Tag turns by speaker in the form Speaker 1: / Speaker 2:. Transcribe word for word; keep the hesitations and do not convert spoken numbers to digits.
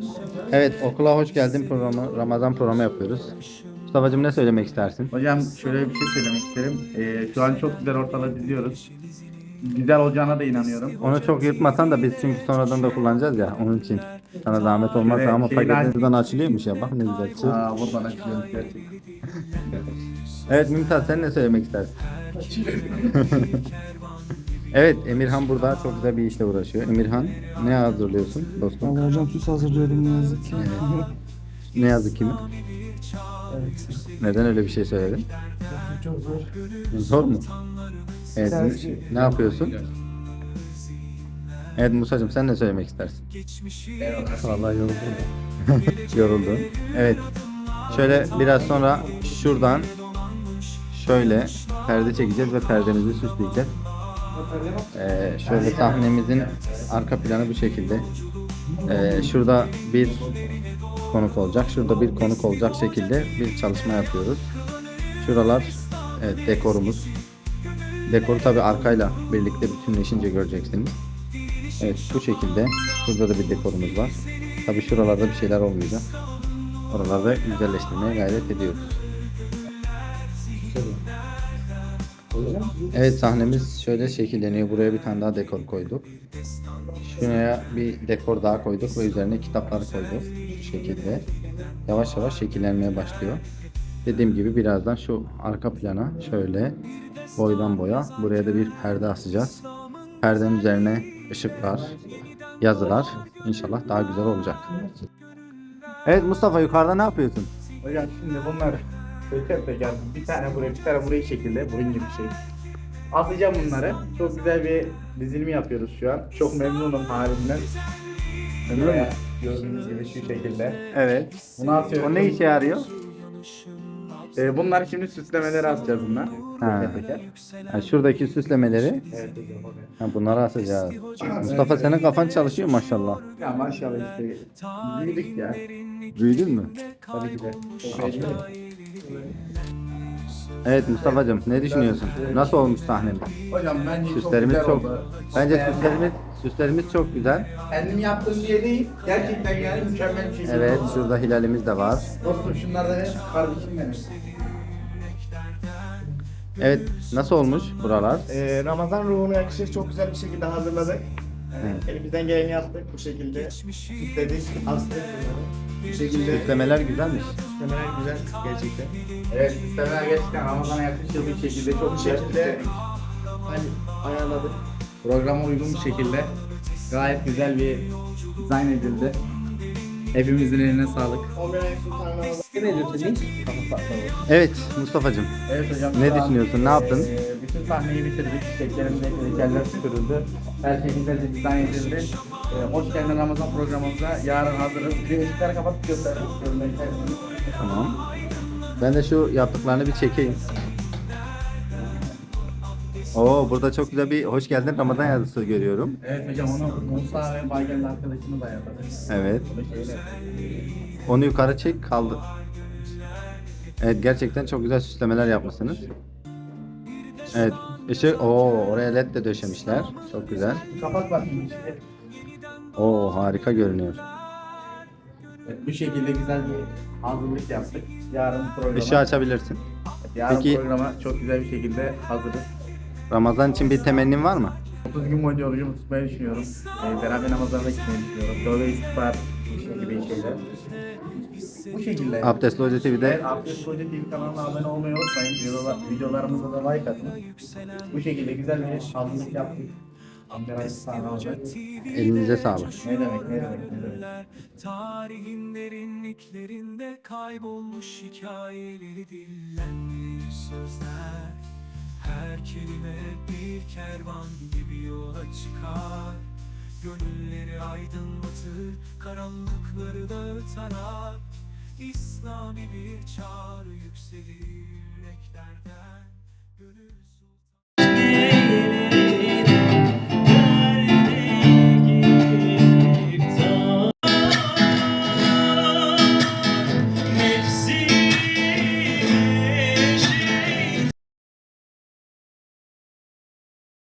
Speaker 1: Evet, okula hoş geldin programı, Ramazan programı yapıyoruz. Mustafa'cığım ne söylemek istersin?
Speaker 2: Hocam şöyle bir şey söylemek isterim. Ee, şu an çok güzel ortalığı diziyoruz. Güzel olacağına da inanıyorum.
Speaker 1: Onu çok yırtmasan da biz çünkü sonradan da kullanacağız ya onun için. Sana zahmet olmazsa
Speaker 2: Şöyle
Speaker 1: ama
Speaker 2: şeyini aç.
Speaker 1: paketin buradan açılıyormuş ya bak ne güzel. Çır.
Speaker 2: Aa, buradan açıyoruz gerçekten.
Speaker 1: Evet Mümtaz sen ne söylemek istersin? Evet Emirhan burada çok güzel bir işle uğraşıyor. Emirhan ne hazırlıyorsun dostum?
Speaker 3: Vallahi hocam süs hazırlıyordum ne yazık ki.
Speaker 1: Ne yazık ki mi?
Speaker 3: Evet.
Speaker 1: Neden öyle bir şey söyledin?
Speaker 3: Çok zor.
Speaker 1: Zor mu? Evet
Speaker 3: Tersi.
Speaker 1: ne yapıyorsun? Evet Musa'cığım sen ne söylemek istersin?
Speaker 3: Vallahi yoruldum.
Speaker 1: Yoruldun. Evet. Şöyle biraz sonra şuradan şöyle perde çekeceğiz ve perdemizi süsleyeceğiz. Ee, şöyle sahnemizin arka planı bu şekilde. Ee, şurada bir konuk olacak, şurada bir konuk olacak şekilde bir çalışma yapıyoruz. Şuralar evet, dekorumuz. Dekoru tabi arkayla birlikte bütünleşince göreceksiniz. Evet bu şekilde. Burada da bir dekorumuz var. Tabi şuralarda bir şeyler olmayacak. Oralarda güzelleştirmeye gayret ediyoruz. Evet sahnemiz şöyle şekilleniyor. Buraya bir tane daha dekor koyduk. Şuraya bir dekor daha koyduk ve üzerine kitaplar koyduk. Şu şekilde. Yavaş yavaş şekillenmeye başlıyor. Dediğim gibi birazdan şu arka plana şöyle boydan boya buraya da bir perde asacağız. Perdenin üzerine ışıklar, yazılar inşallah daha güzel olacak. Evet Mustafa yukarıda ne yapıyorsun?
Speaker 2: Hocam şimdi bunlar teker teker bir tane buraya bir tane buraya şekilde burun gibi bir şey. Asacağım bunları. Çok güzel bir dizilimi yapıyoruz şu an. Çok memnunum halimden. Böyle gördüğünüz gibi şu şekilde.
Speaker 1: Evet.
Speaker 2: Bunu atıyorum.
Speaker 1: O ne işe yarıyor?
Speaker 2: Ee, bunlar şimdi süslemeleri asacağız bunlar.
Speaker 1: Ha.
Speaker 2: Teker teker.
Speaker 1: Ha, şuradaki süslemeleri
Speaker 2: Evet hocam oraya.
Speaker 1: ha, bunları asacağız. Mustafa senin kafan çalışıyor maşallah.
Speaker 2: Ya maşallah işte büyüdük ya.
Speaker 1: Büyüdün mü?
Speaker 2: Tabii ki de. Çok heyecanlıyım.
Speaker 1: Evet Mustafa'cığım ne düşünüyorsun? Nasıl olmuş sahnemiz?
Speaker 2: Hocam bence
Speaker 1: Süslerimiz
Speaker 2: çok
Speaker 1: çok,
Speaker 2: güzel oldu.
Speaker 1: bence
Speaker 2: beğendim.
Speaker 1: süslerimiz süslerimiz çok güzel.
Speaker 2: Kendim yaptığım diye değil, gerçekten yani mükemmel bir şekilde
Speaker 1: Evet
Speaker 2: oldu.
Speaker 1: şurada hilalimiz de var.
Speaker 2: Dostum şunlar da benim kardeşim benim.
Speaker 1: Evet nasıl olmuş buralar?
Speaker 4: Ee, Ramazan ruhuna yakışır çok güzel bir şekilde hazırladık. Yani
Speaker 1: Evet.
Speaker 4: elimizden geleni yaptık bu şekilde. Süsledik, astık bunları. Bu şekilde
Speaker 1: Süslemeler güzelmiş.
Speaker 4: süslemeler güzel gerçekten.
Speaker 2: Evet, sistemler gerçekten Ramazan'a yakışır bir şekilde çok
Speaker 4: Bu
Speaker 2: güzel
Speaker 4: şekilde hani ayarladık.
Speaker 2: programa uygun bir şekilde gayet güzel bir dizayn edildi. Hepimizin eline sağlık.
Speaker 4: on bir ayın Sultan Ramazan.
Speaker 1: Evet Mustafa'cığım
Speaker 2: Evet hocam.
Speaker 1: Ne
Speaker 2: şu an,
Speaker 1: düşünüyorsun, ne yaptın?
Speaker 2: eee, bütün sahneyi bitirdik. Çiçeklerimize kriterler süpürüldü. Her şekilde de dizayn edildi. Eee, hoş geldin Ramazan programımıza. Yarın hazırız. Bir de ışıkları kapatıp gösterdik.
Speaker 1: tamam. Ben de şu yaptıklarını bir çekeyim. Oo burada çok güzel bir hoş geldin Ramazan yazısı görüyorum.
Speaker 2: Evet hocam onu Musa ve Baygel'in arkadaşını da ayarladık.
Speaker 1: Evet.
Speaker 2: O da şöyle.
Speaker 1: Onu yukarı çek kaldı. Evet gerçekten çok güzel süslemeler yapmışsınız. Evet. Işık, oo oraya led de döşemişler. Çok güzel.
Speaker 2: Kapak var şimdi işte.
Speaker 1: Oo harika görünüyor.
Speaker 2: Evet, bu şekilde güzel bir hazırlık yaptık. Yarın programa,
Speaker 1: Işığı açabilirsin.
Speaker 2: yarın
Speaker 1: Peki-
Speaker 2: programa çok güzel bir şekilde hazırız.
Speaker 1: Ramazan için bir temennin var mı?
Speaker 2: otuz gün boyunca orucumu tutmayı düşünüyorum. Ee, beraber namazlarına gitmeyi düşünüyorum. Tövbe istiğfar şey gibi şeyler. Bu şekilde.
Speaker 1: Abdestli Hoca T V'de
Speaker 2: Evet, Abdest Hoca T V kanalına abone olmayı unutmayın. Videolar, videolarımıza da like atın. Bu şekilde güzel bir hazırlık yaptık. Amber sahne olacak.
Speaker 1: elinize sağlık.
Speaker 2: Ne demek, ne demek, ne demek.
Speaker 5: Tarihin derinliklerinde kaybolmuş hikayeleri dillendirir sözler. Her kelime bir kervan gibi yola çıkar. Gönülleri aydınlatır, karanlıkları dağıtarak. İslami bir çağrı yükselir yüreklerden. Gönül